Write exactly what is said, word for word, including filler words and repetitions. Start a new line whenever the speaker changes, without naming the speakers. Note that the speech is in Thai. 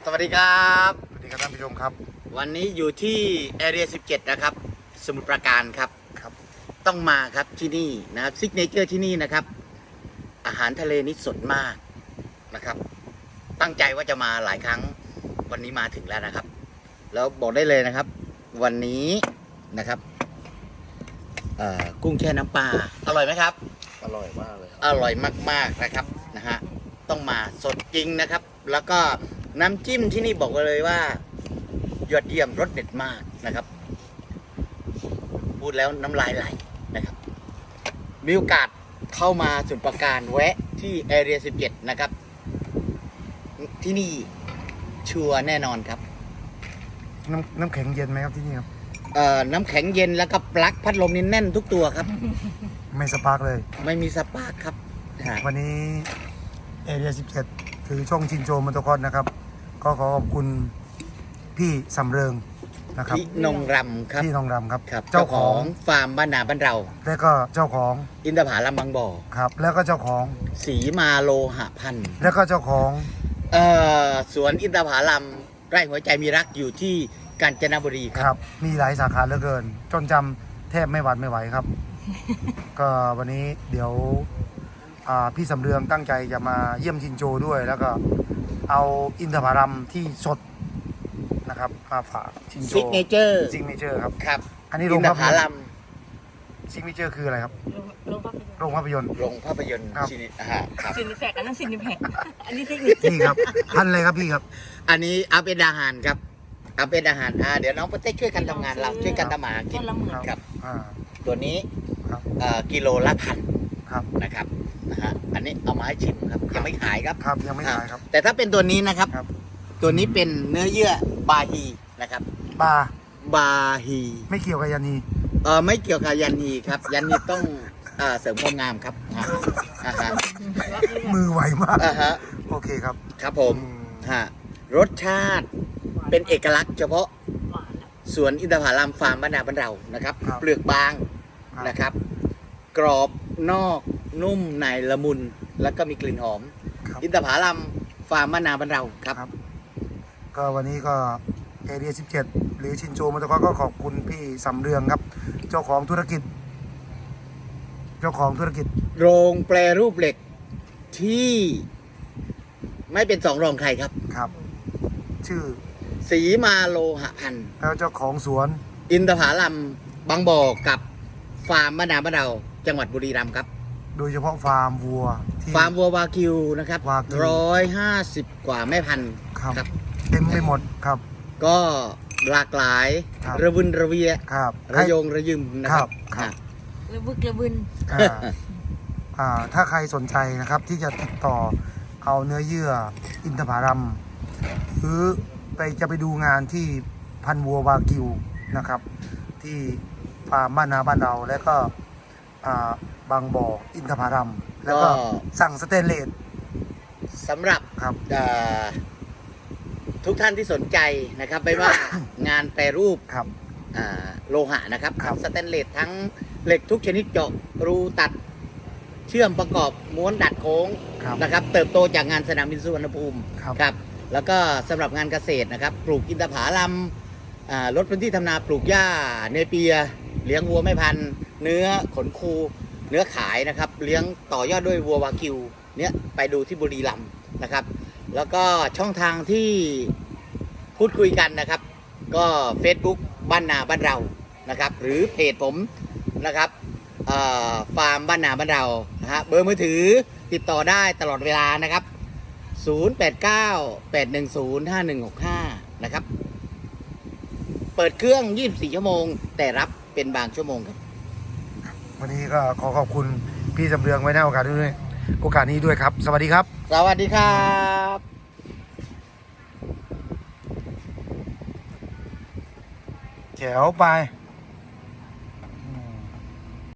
วัสดีครับ
สวัสดีครับท่านผู้ชมครับ
วันนี้อยู่ที่แอเรียสิบเจ็ดนะครับสมุทรปราการครับ
ครับ
ต้องมาครับที่นี่นะครับซิกเนเจอร์ที่นี่นะครับอาหารทะเลนี่สดมากนะครับตั้งใจว่าจะมาหลายครั้งวันนี้มาถึงแล้วนะครับแล้วบอกได้เลยนะครับวันนี้นะครับกุ้งแช่น้ำปลาอร่อยไหมครับ
อร่อยมากเลย
อร่อยมากๆนะครับนะฮะต้องมาสดจริงนะครับแล้วก็น้ำจิ้มที่นี่บอกเลยว่ายอดเยี่ยมรสเด็ดมากนะครับพูดแล้วน้ำลายไหลนะครับมีโอกาสเข้ามาสมุทรปราการแวะที่แอเรียสิบเจ็ดนะครับที่นี่ชัวร์แน่นอนครับ
น้ำน้ำแข็งเย็นไหมครับที่นี่ครับ
เอ่อน้ำแข็งเย็นแล้วก็ปลั๊กพัดลมนี่แน่นทุกตัวครับ
ไม่สปาร์กเลย
ไม่มีสปาร์กครับ
วันนี้เอเรียสิบเจ็ดคือช่องชินโจมอเตอร์คอร์สนะครับก็ขอขอบคุณพี่สำเริงนะครับ
พี่นงรำครับ
พี่นงรำครับ
เจ้าของฟาร์มบ้านนาบ้านเรา
แล้วก็เจ้าของ
อินทผลัมบางบ่อ
ครับแล้วก็เจ้าของ
สีมาโลหะพันธุ์
แล้วก็เจ้าของ
เอ่อสวนอินทผลัมไร่หัวใจมีรักอยู่ที่กาญจนบุรีครับ
มีหลายสาขาเหลือเกินจนจำแทบไม่หวัดไม่ไหวครับ ก็วันนี้เดี๋ยวพี่สำเรืองตั้งใจจะมาเยี่ยมชินโจด้วยแล้วก็เอาอินทผลัมที่สดนะครับมาฝากชินโจ
ซิกเนเจอร์
ซิกเนเจอร์ครับ
ครับ
อันนี้โรงภาพยนตร์ซิกเนเจอร์คืออะไรครับโรงภาพยนตร์
โรงภาพยนตร์
ซินิ
ครับซินิแพคอันนั้นซินิแพคอันนี้ซิกเนเจอร์
นี่ครับพันอะไรครับพี่ครับ
อันนี้เอาเป็นอาหารครับเอาเป็นอาหารอ่าเดี๋ยวน้องโปรเต้ช่วยกันทำงานเราช่วยกันทำอาหารกินครับตัวนี้กิโลละพันนะครับนะฮะอันนี้เอามาให้ชิมครับยังไม่ขายครับ
ครับยังไม่ขายครับ
แต่ถ้าเป็นตัวนี้นะครับตัวนี้เป็นเนื้อเยื่อบาฮีนะครับ
บา
บาฮี
ไม่เกี่ยวกับยันนี
เออไม่เกี่ยวกับยันนีครับยันนีต้องเอ่อเสริมความงามครับอ่าฮะ
มือไวมาก
อ่าฮะ
โอเคครับ
ครับผมฮะรสชาติเป็นเอกลักษณ์เฉพาะสวนอินทผลัมฟาร์มบ้านนาบ้านเรานะครับเปลือกบางนะครับกรอบนอกนุ่มในละมุนแล้วก็มีกลิ่นหอมอินทผลัมฟาร์มบ้านนาบ้านเราครับ
ก็วันนี้ก็เอเรียสิบเจ็ดหรือชินโจมอเตอร์คอร์สก็ขอบคุณพี่สำเรืองครับเจ้าของธุรกิจเจ้าของธุรกิจ
โรงแปรรูปเหล็กที่ไม่เป็นสองรองใครครับ
ครับ ชื่อ
สีมาโลหะพันธุ์
แล้วเจ้าของสวน
อินทผลัมบางบ่อกับฟาร์มบ้านนาบ้านเราจังหวัดบุรีรัมย์ครับ
โดยเฉพาะฟาร์มวัว
ฟาร์มวัววากิวนะครับร้อยห้าสิบกว่าแม่พันธุ์
ครับเต็มไปหมดครับ
ก็หลากหลายระวุนระเวีย
ครับ
ระยงระยิมนะครับ
ระบึกระบึน
ถ้าใครสนใจนะครับที่จะติดต่อเอาเนื้อเยื่ออินทผลัมหรือไปจะไปดูงานที่พันวัววากิวนะครับที่ฟาร์มบ้านนาบ้านเราแล้วก็บางบ่ออินทผลัมแล้วก็สั่งสเตนเลส
สำหรับ
ครับ
ทุกท่านที่สนใจนะครับไม่ว่างานแปรรูปโลหะนะครับสเตนเลสทั้งเหล็กทุกชนิดเจาะรูตัดเชื่อมประกอบม้วนดัดโค้งนะครับเติบโตจากงานสนามบินสุวรรณภูมิครับแล้วก็สำหรับงานเกษตรนะครับปลูกอินทผลัมลดพื้นที่ทำนาปลูกหญ้าเนเปียเลี้ยงวัวไม่พันเนื้อขนคูเนื้อขายนะครับเลี้ยงต่อยอดด้วยวัววากิวเนี้ยไปดูที่บุรีรัมย์นะครับแล้วก็ช่องทางที่พูดคุยกันนะครับก็ Facebook บ้านนาบ้านเรานะครับหรือเพจผมนะครับฟาร์มบ้านนาบ้านเรานะฮะเบอร์มือถือติดต่อได้ตลอดเวลานะครับศูนย์ แปด เก้า แปด หนึ่ง ศูนย์ ห้า หนึ่ง หก ห้านะครับเปิดเครื่องยี่สิบสี่ชั่วโมงแต่รับเป็นบางชั่วโมงครับ
วันนี้ก็ขอขอบคุณพี่สำเรืองไว้ในโอกาสด้วยโอกาสนี้ด้วยครับสวัสดีครับ
สวัสดีครับ
แจ๋วไป